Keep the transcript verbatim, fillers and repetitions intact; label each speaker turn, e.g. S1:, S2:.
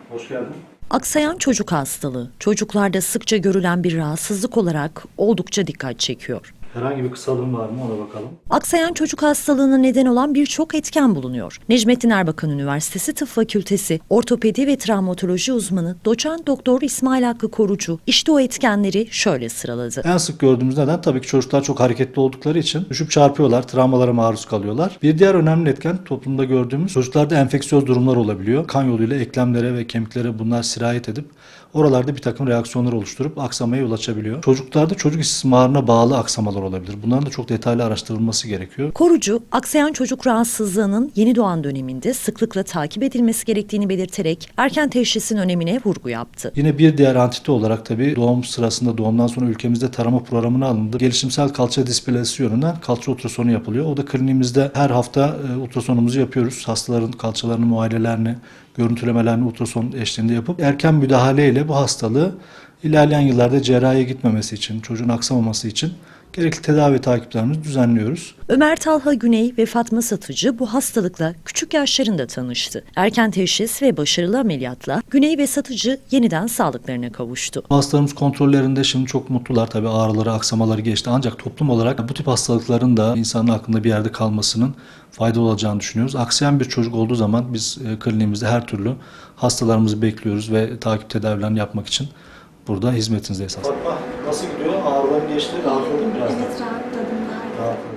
S1: Hoş geldin.
S2: Aksayan çocuk hastalığı, çocuklarda sıkça görülen bir rahatsızlık olarak oldukça dikkat çekiyor.
S1: Herhangi bir kısalığın var mı ona bakalım.
S2: Aksayan çocuk hastalığına neden olan birçok etken bulunuyor. Necmettin Erbakan Üniversitesi Tıp Fakültesi Ortopedi ve Travmatoloji uzmanı Doçent Doktor İsmail Hakkı Korucu işte o etkenleri şöyle sıraladı.
S1: En sık gördüğümüz neden tabii ki çocuklar çok hareketli oldukları için düşüp çarpıyorlar, travmalara maruz kalıyorlar. Bir diğer önemli etken toplumda gördüğümüz çocuklarda enfeksiyöz durumlar olabiliyor. Kan yoluyla eklemlere ve kemiklere bunlar sirayet edip oralarda bir takım reaksiyonlar oluşturup aksamaya yol açabiliyor. Çocuklarda çocuk istismarına bağlı aksamalar olabilir. Bunların da çok detaylı araştırılması gerekiyor.
S2: Korucu, aksayan çocuk rahatsızlığının yeni doğan döneminde sıklıkla takip edilmesi gerektiğini belirterek erken teşhisin önemine vurgu yaptı.
S1: Yine bir diğer antite olarak tabii doğum sırasında doğumdan sonra ülkemizde tarama programına alındı. Gelişimsel kalça displasisi yönünden kalça ultrasonu yapılıyor. O da kliniğimizde her hafta e, ultrasonumuzu yapıyoruz. Hastaların kalçalarını, muayenelerini, görüntülemelerini ultrason eşliğinde yapıp erken müdahaleyle bu hastalığı ilerleyen yıllarda cerrahiye gitmemesi için, çocuğun aksamaması için gerekli tedavi takiplerimizi düzenliyoruz.
S2: Ömer Talha Güney ve Fatma Satıcı bu hastalıkla küçük yaşlarında tanıştı. Erken teşhis ve başarılı ameliyatla Güney ve Satıcı yeniden sağlıklarına kavuştu.
S1: Hastalarımız kontrollerinde şimdi çok mutlular. Tabii ağrıları, aksamaları geçti. Ancak toplum olarak bu tip hastalıkların da insanın aklında bir yerde kalmasının faydalı olacağını düşünüyoruz. Aksayan bir çocuk olduğu zaman biz e, kliniğimizde her türlü hastalarımızı bekliyoruz ve takip tedavilerini yapmak için burada hizmetinizdeyiz. Fatma nasıl gidiyor? Ağrıların geçti. Rahatladın mı biraz?
S3: Evet, rahatladım.
S1: Rahatladım.